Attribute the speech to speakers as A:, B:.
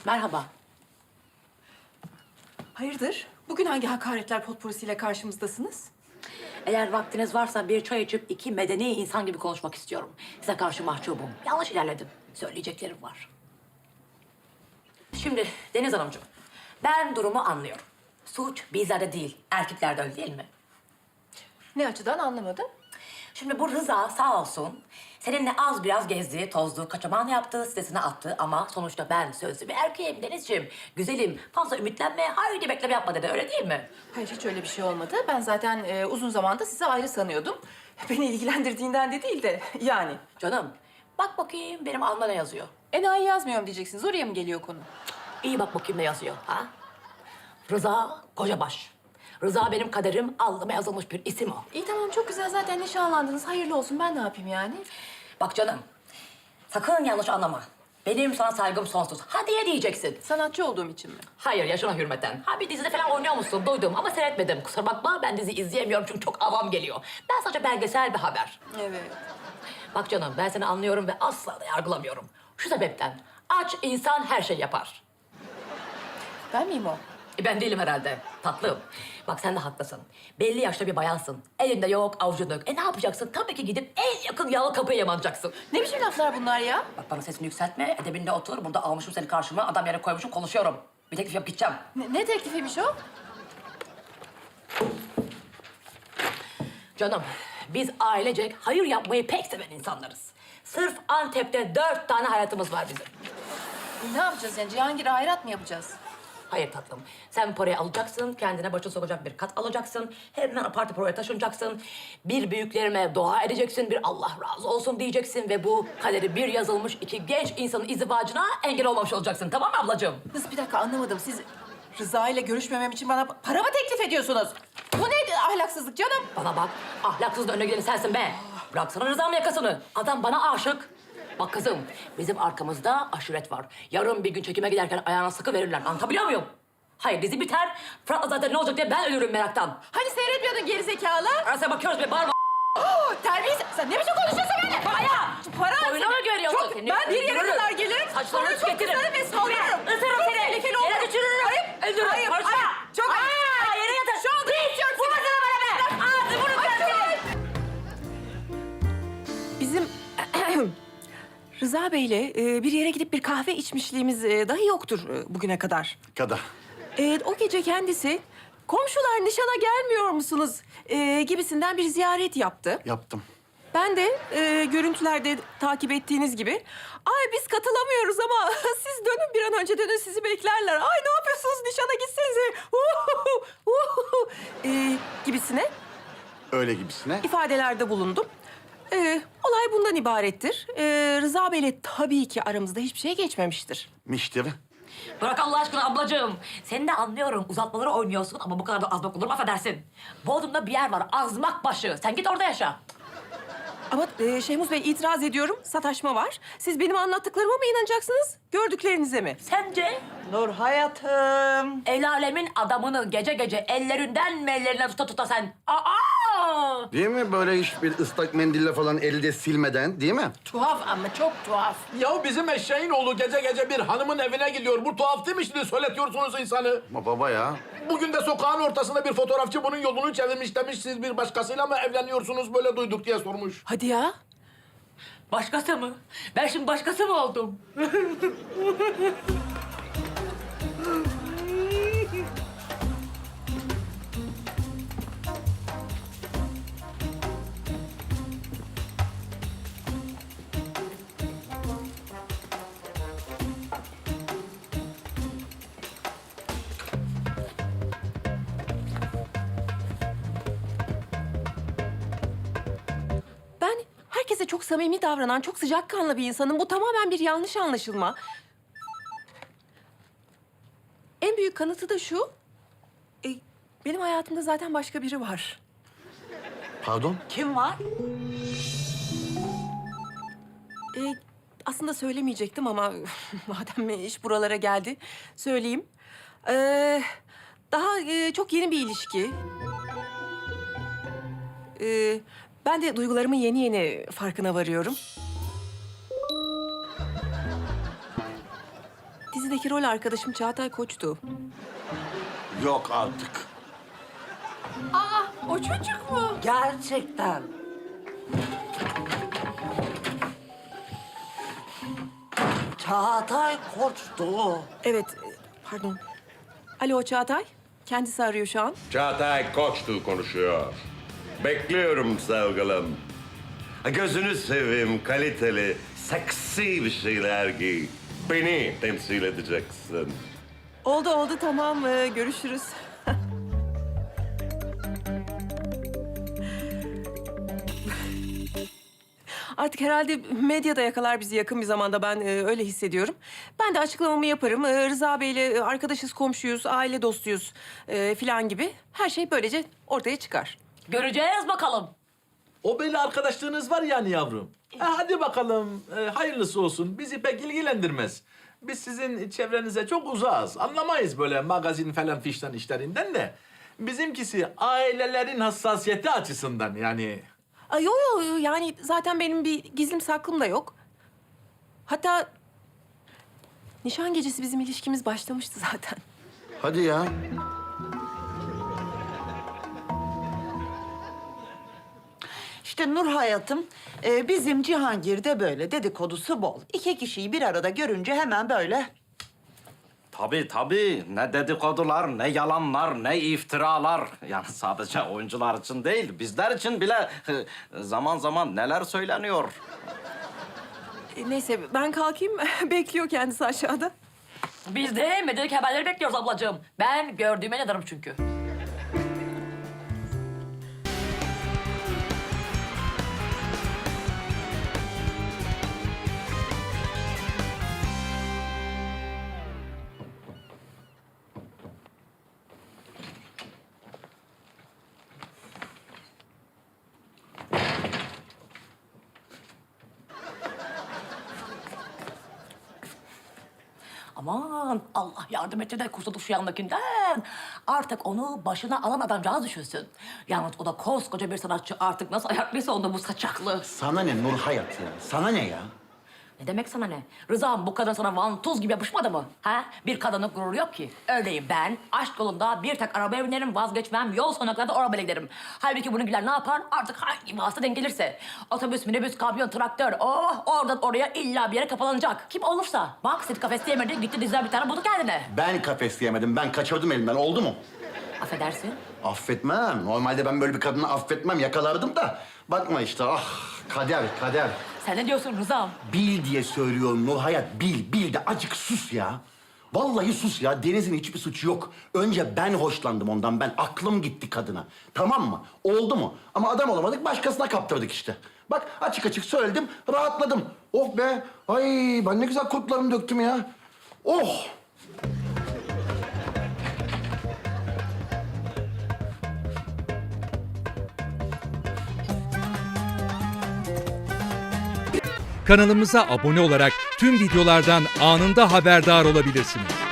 A: Merhaba.
B: Hayırdır? Bugün hangi hakaretler potporisiyle karşımızdasınız?
A: Eğer vaktiniz varsa bir çay içip iki medeni insan gibi konuşmak istiyorum. Size karşı mahcubum. Yanlış ilerledim. Söyleyeceklerim var. Şimdi Deniz Hanımcığım, ben durumu anlıyorum. Suç bizlerde değil, erkeklerde öyle değil mi?
B: Ne açıdan anlamadım.
A: Şimdi bu Rıza sağ olsun seninle az biraz gezdi, tozdu, kaçaman yaptı, sitesine attı ama sonuçta ben sözlü bir erkeğim Denizciğim. Güzelim, fazla ümitlenme, haydi bekleme yapma dedi, öyle değil mi?
B: Hayır, hiç öyle bir şey olmadı. Ben zaten uzun zamandır sizi ayrı sanıyordum. Beni ilgilendirdiğinden de değil de yani.
A: Canım, bak bakayım benim alnımda ne yazıyor?
B: Enayi yazmıyorum diyeceksiniz. Oraya mı geliyor konu?
A: İyi bak bakayım ne yazıyor, ha? Rıza Kocabaş. Rıza benim kaderim, alnıma yazılmış bir isim o.
B: İyi tamam, çok güzel. Zaten nişanlandınız. Hayırlı olsun. Ben ne yapayım yani?
A: Bak canım, sakın yanlış anlama. Benim sana saygım sonsuz. Ha diye diyeceksin.
B: Sanatçı olduğum için mi?
A: Hayır, yaşına hürmeten. Ha bir dizide falan oynuyor musun? Duydum ama seyretmedim. Kusura bakma, ben dizi izleyemiyorum çünkü çok avam geliyor. Ben sadece belgesel bir haber.
B: Evet.
A: Bak canım, ben seni anlıyorum ve asla da yargılamıyorum. Şu sebepten, aç insan her şey yapar.
B: Ben miyim o?
A: Ben değilim herhalde, tatlım. Bak sen de haklısın. Belli yaşta bir bayansın. Elinde yok, avucunda yok. Ne yapacaksın? Tabii ki gidip en yakın yağlı kapıya yamanacaksın.
B: Ne biçim laflar bunlar ya?
A: Bak bana sesini yükseltme, edebinde otur. Burada almışım seni karşıma, adam yere koymuşum, konuşuyorum. Bir teklif yap, gideceğim.
B: Ne teklifiymiş o?
A: Canım, biz ailecek hayır yapmayı pek seven insanlarız. Sırf Antep'te 4 tane hayatımız var bizim.
B: Ne yapacağız yani? Cihangir'e hayrat mı yapacağız?
A: Hayır tatlım, sen bu parayı alacaksın, kendine başa sokacak bir kat alacaksın. Hemen apar topar oraya taşınacaksın. Bir büyüklerime dua edeceksin, bir Allah razı olsun diyeceksin. Ve bu kaderi bir yazılmış iki genç insanın izdivacına engel olmamış olacaksın. Tamam mı ablacığım?
B: Kız bir dakika, anlamadım. Siz Rıza ile görüşmemem için bana para mı teklif ediyorsunuz? Bu ne ahlaksızlık canım?
A: Bana bak, ahlaksız da önüne gideni sensin be. Bıraksana Rıza'mın yakasını. Adam bana aşık. Bak kızım, bizim arkamızda aşiret var. Yarın bir gün çekime giderken ayağına sıkı verirler. Anlatabiliyor muyum? Hayır, dizi biter. Fırat'la zaten ne olacak diye ben ölürüm meraktan.
B: Hani seyretmiyordun gerizekalı?
A: Arasına bakıyoruz be, bağırma.
B: Terbiyesiz. Sen ne biçim konuşuyorsun benimle?
A: Para! Oyuna mı görüyorsun?
B: Çok, ben bir yere kadar gelirim.
A: Saçlarını
B: Sonra çok
A: tüketirim.
B: kızarım ve saldırırım.
A: Isırırım
B: Çok
A: seni.
B: tehlikeli olur.
A: Yere düşürürüm. Öldürürüm.
B: Hayır,
A: Konuşma.
B: hayır. Çok
A: Aa, yere yatır.
B: Şu anda istiyorum.
A: Vurmasana bana be. Ağzı bunu kırsın.
B: Bizim Rıza Bey'le bir yere gidip bir kahve içmişliğimiz dahi yoktur bugüne kadar.
C: Kada.
B: O gece kendisi komşular nişana gelmiyor musunuz gibisinden bir ziyaret yaptı.
C: Yaptım.
B: Ben de görüntülerde takip ettiğiniz gibi, ay biz katılamıyoruz ama siz dönün, bir an önce dönün, sizi beklerler. Ay ne yapıyorsunuz, nişana gitsenize. Gibisine
C: Öyle gibisine.
B: ifadelerde bulundum. Olay bundan ibarettir. Rıza Bey'le tabii ki aramızda hiçbir şey geçmemiştir.
C: Miştir.
A: Bırak Allah aşkına ablacığım. Seni de anlıyorum. Uzatmaları oynuyorsun ama bu kadar da azmak olur mu, affedersin. Bodrum'da bir yer var. Azmakbaşı. Sen git orada yaşa.
B: Ama Şehmuz Bey, itiraz ediyorum. Sataşma var. Siz benim anlattıklarıma mı inanacaksınız, gördüklerinize mi?
A: Sence
D: Nur hayatım.
A: el alemin adamını gece gece ellerinden mi ellerine tuta tuta sen? Aa!
C: Değil mi? Böyle hiçbir ıslak mendille falan elde silmeden, değil mi?
B: Tuhaf ama çok tuhaf.
E: Ya bizim eşeğin oğlu gece gece bir hanımın evine gidiyor. Bu tuhaf değil mi şimdi? Söyletiyorsunuz insanı.
C: Ama baba ya.
E: Bugün de sokağın ortasında bir fotoğrafçı bunun yolunu çevirmiş demiş. Siz bir başkasıyla mı evleniyorsunuz, böyle duyduk diye sormuş.
B: Hadi ya.
A: Başkası mı? Ben şimdi başkası mı oldum?
B: Ben herkese çok samimi davranan, çok sıcakkanlı bir insanım. Bu tamamen bir yanlış anlaşılma. En büyük kanıtı da şu. Benim hayatımda zaten başka biri var.
C: Pardon?
D: Kim var?
B: Aslında söylemeyecektim ama madem iş buralara geldi, söyleyeyim. Daha çok yeni bir ilişki. Ben de duygularımın yeni yeni farkına varıyorum. dizideki rol arkadaşım Çağatay Koç'tu.
C: Yok artık.
B: O çocuk mu?
D: Gerçekten. Çağatay Koç'tu.
B: Evet, pardon. Alo Çağatay, kendisi arıyor şu an.
F: Çağatay Koçtu konuşuyor. Bekliyorum sevgilim. Gözünü seveyim, kaliteli, seksi bir şeyler giy. Beni temsil edeceksin.
B: Oldu tamam, görüşürüz. Artık herhalde medyada yakalar bizi yakın bir zamanda, ben öyle hissediyorum. Ben de açıklamamı yaparım. Rıza Bey'le arkadaşız, komşuyuz, aile dostuyuz filan gibi. Her şey böylece ortaya çıkar.
A: Göreceğiz bakalım.
G: O belli arkadaşlığınız var yani yavrum. Hadi bakalım hayırlısı olsun. Bizi pek ilgilendirmez. Biz sizin çevrenize çok uzağız. Anlamayız böyle magazin falan fişten işlerinden de. Bizimkisi ailelerin hassasiyeti açısından yani.
B: Yo yani zaten benim bir gizlim saklım da yok. Hatta nişan gecesi bizim ilişkimiz başlamıştı zaten.
C: Hadi ya.
D: İşte Nur hayatım, bizim Cihangir'de böyle dedikodusu bol. İki kişiyi bir arada görünce hemen böyle...
H: Tabii. Ne dedikodular, ne yalanlar, ne iftiralar. Yani sadece oyuncular için değil, bizler için bile zaman zaman neler söyleniyor.
B: Neyse ben kalkayım. Bekliyor kendisi aşağıda.
A: Biz de medyadaki haberleri bekliyoruz ablacığım. Ben gördüğüme inanırım çünkü. Aman Allah yardım etti de kurtulduk şu yandakinden. Artık onu başına alan adamcağız düşünsün. Yalnız o da koskoca bir sanatçı, artık nasıl ayaklıysa onda bu saçaklı.
C: Sana ne Nur Hayat ya? Sana ne ya?
A: Ne demek sana ne? Rıza'm bu kadın sana vantuz gibi yapışmadı mı? Ha? Bir kadının gururu yok ki. Öyleyim ben. Aşk yolunda bir tek arabaya binerim, vazgeçmem. Yol sonuna kadar da arabayla giderim. Halbuki bununkiler ne yapar? Artık hangi vasıta denk gelirse. Otobüs, minibüs, kamyon, traktör. Oh, oradan oraya illa bir yere kapalanacak. Kim olursa. Bak Seti kafes diyemedi, gitti diziden bir tane buldu kendine.
C: Ben kafes yemedim. Ben kaçırdım elimden. Oldu mu?
A: Affedersin.
C: Affetmem. Normalde ben böyle bir kadını affetmem. Yakalardım da. Bakma işte. Ah kader.
A: Sen ne diyorsun Rıza'm?
C: Bil diye söylüyorum Nur Hayat. Bil de acık sus ya. Vallahi sus ya. Deniz'in hiçbir suçu yok. Önce ben hoşlandım ondan. Ben aklım gitti kadına. Tamam mı? Oldu mu? Ama adam olamadık, başkasına kaptırdık işte. Bak açık söyledim, rahatladım. Oh be. Ay ben ne güzel kurtlarımı döktüm ya. Oh.
I: Kanalımıza abone olarak tüm videolardan anında haberdar olabilirsiniz.